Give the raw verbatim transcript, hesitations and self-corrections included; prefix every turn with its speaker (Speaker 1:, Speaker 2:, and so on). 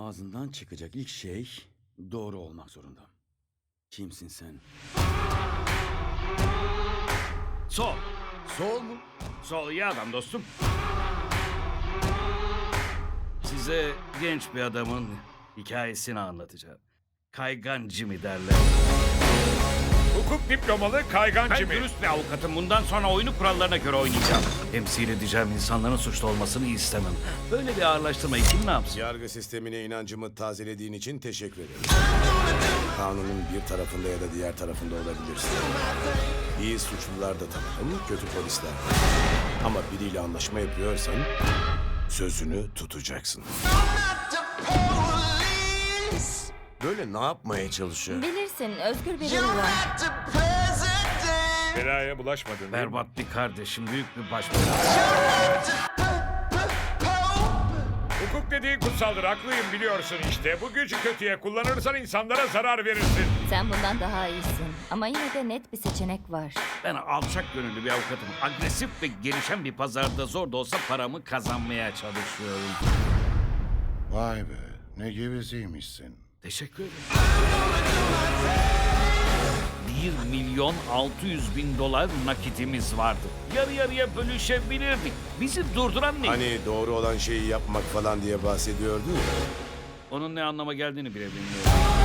Speaker 1: Ağzından çıkacak ilk şey doğru olmak zorunda. Kimsin sen?
Speaker 2: Sol.
Speaker 3: Sol mu?
Speaker 2: Sol iyi adam dostum. Size genç bir adamın hikayesini anlatacağım. Kaygan Jimmy derler.
Speaker 4: Hukuk diplomalı Kaygan
Speaker 2: Ben
Speaker 4: Jimmy.
Speaker 2: dürüst bir avukatım. Bundan sonra oyunu kurallarına göre oynayacağım. Temsil edeceğim insanların suçlu olmasını istemem. Böyle bir ağırlaştırmayı kim ne yapsın?
Speaker 3: Yargı sistemine inancımı tazelediğin için teşekkür ederim. Kanunun bir tarafında ya da diğer tarafında olabilirsin. İyi suçlular da tanırım, kötü polisler de. Ama biriyle anlaşma yapıyorsan sözünü tutacaksın. Böyle ne yapmaya çalışıyor?
Speaker 5: Bilirsin, özgür biri var.
Speaker 4: Belaya bulaşmadın değil mi?
Speaker 2: Berbat bir kardeşim, büyük bir baş belası.
Speaker 4: Hukuk dediğin kutsaldır, haklıyım biliyorsun işte. Bu gücü kötüye kullanırsan insanlara zarar verirsin.
Speaker 5: Sen bundan daha iyisin. Ama yine de net bir seçenek var.
Speaker 2: Ben alçak gönüllü bir avukatım. Agresif ve gelişen bir pazarda zor da olsa paramı kazanmaya çalışıyorum.
Speaker 6: Vay be, ne gevezeymişsin.
Speaker 2: Teşekkür ederim. Bir milyon altı yüz bin dolar nakitimiz vardı. Yarı yarıya bölüşebilirdik. Bizi durduran ne?
Speaker 3: Hani doğru olan şeyi yapmak falan diye bahsediyordu ya.
Speaker 2: Onun ne anlama geldiğini bile bilmiyorum.